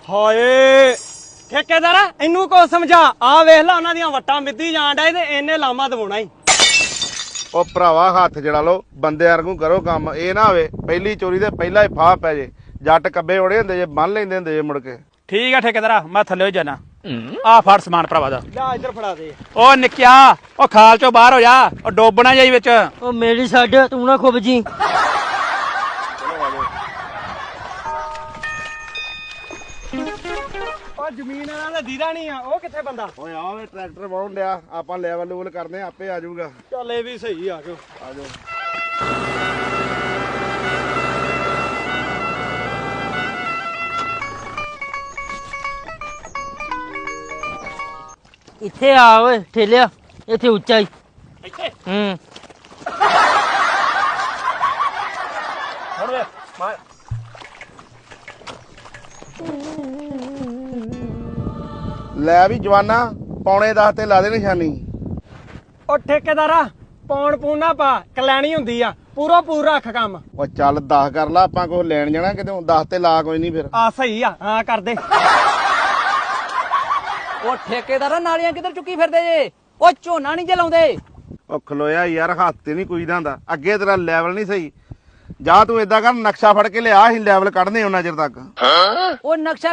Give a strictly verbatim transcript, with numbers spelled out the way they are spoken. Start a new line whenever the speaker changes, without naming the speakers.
ਹਾਏ ਠੇਕੇਦਾਰ ਇਹਨੂੰ ਕੋ ਸਮਝਾ ਆ ਵੇਖ ਲੈ ਉਹਨਾਂ ਦੀਆਂ ਵੱਟਾਂ ਮਿੱਧੀ ਜਾਣ ਡਏ ਤੇ ਇਹਨੇ ਲਾਮਾ ਦਵਾਉਣਾ ਹੀ।
ਉਹ ਭਰਾਵਾ ਹੱਥ ਜੜਾ ਲਓ, ਬੰਦੇ ਵਾਂਗੂ ਕਰੋ ਕੰਮ। ਇਹ ਨਾ ਹੋਵੇ ਪਹਿਲੀ ਚੋਰੀ ਤੇ ਪਹਿਲਾਂ ਹੀ ਫਾਹ ਪੈ ਜੇ। ਜੱਟ ਕੱਬੇ ਉੜੇ ਹੁੰਦੇ ਜੇ, ਬੰਨ ਲੈਂਦੇ ਹੁੰਦੇ ਜੇ ਮੁੜ ਕੇ।
ਠੀਕ ਆ ਠੇਕੇਦਾਰਾ, ਮੈਂ ਥੱਲੇ ਜਾਣਾ। ਆ ਫੜ ਸਮਾਨ ਭਰਾਵਾ ਦਾ।
ਲੈ ਇੱਧਰ ਫੜਾ ਦੇ।
ਉਹ ਨਿੱਕਿਆ, ਉਹ ਖਾਲ ਚੋਂ ਬਾਹਰ ਹੋ ਜਾ, ਉਹ ਡੋਬਣਾ ਜਾਈ ਵਿੱਚ।
ਉਹ ਮੇਰੀ ਛੱਡ, ਤੂੰ ਨਾ ਖੁੱਬ ਜੀ।
ਉਹ ਜ਼ਮੀਨ ਵਾਲਾ ਦਾ ਦੀਦਾ ਨਹੀਂ ਆ, ਉਹ ਕਿੱਥੇ ਬੰਦਾ?
ਓਏ ਆਵੇ ਟਰੈਕਟਰ ਵਾਉਣ ਡਿਆ, ਆਪਾਂ ਲੈਵਲ ਲੂਵਲ ਕਰਨੇ, ਆਪੇ ਆ ਜਾਊਗਾ।
ਚੱਲ ਇਹ ਵੀ ਸਹੀ ਆ ਜਾਓ।
ਆ ਜਾਓ।
ਇੱਥੇ ਆ ਓਏ ਠੇਲਿਆ, ਇੱਥੇ ਉੱਚਾ ਹੀ।
ਇੱਥੇ
ਹੂੰ
ਹੁਣ ਵੇ ਮਾਰ।
ਲੈ ਵੀ ਜਵਾਨਾ, ਪੌਣੇ ਦਸ ਤੇ ਲਾ ਦੇ ਨਿਸ਼ਾਨੀ।
ਉਹ ਠੇਕੇਦਾਰਾ ਪੌਣ ਪੂਣਾ ਪਾ, ਕਲੈਣੀ ਹੁੰਦੀ ਆ, ਪੂਰਾ ਪੂਰਾ ਰੱਖ ਕੰਮ।
ਉਹ ਚੱਲ ਦਸ ਕਰ ਲਾ, ਆਪਾਂ ਕੋਲ ਲੈਣ ਜਾਣਾ ਕਿਤੇ। ਦਸ ਤੇ ਲਾ ਕੋਈ ਨਹੀਂ ਫਿਰ।
ਆ ਸਹੀ ਆ, ਹਾਂ ਕਰ ਦੇ।
ਉਹ ਠੇਕੇਦਾਰਾ ਨਾਲੀਆਂ ਕਿੱਧਰ ਚੁੱਕੀ ਫਿਰਦੇ ਜੇ? ਉਹ ਝੋਨਾ ਨਹੀਂ ਜਲਾਉਂਦੇ।
ਉਹ ਖਲੋਇਆ ਯਾਰ, ਹੱਥ ਤੇ ਨਹੀਂ ਕੋਈ ਦਾ। ਅੱਗੇ ਤੇਰਾ ਲੈਵਲ ਨਹੀਂ ਸਹੀ। ਜਾ ਤੂੰ ਏਦਾਂ ਕਰ, ਨਕਸ਼ਾ ਫੜ ਕੇ ਲਿਆ, ਅਸੀਂ ਲੈਵਲ ਕੱਢਨੇ ਉਹਨਾਂ ਚਿਰ ਤੱਕ।
ਉਹ ਨਕਸ਼ਾ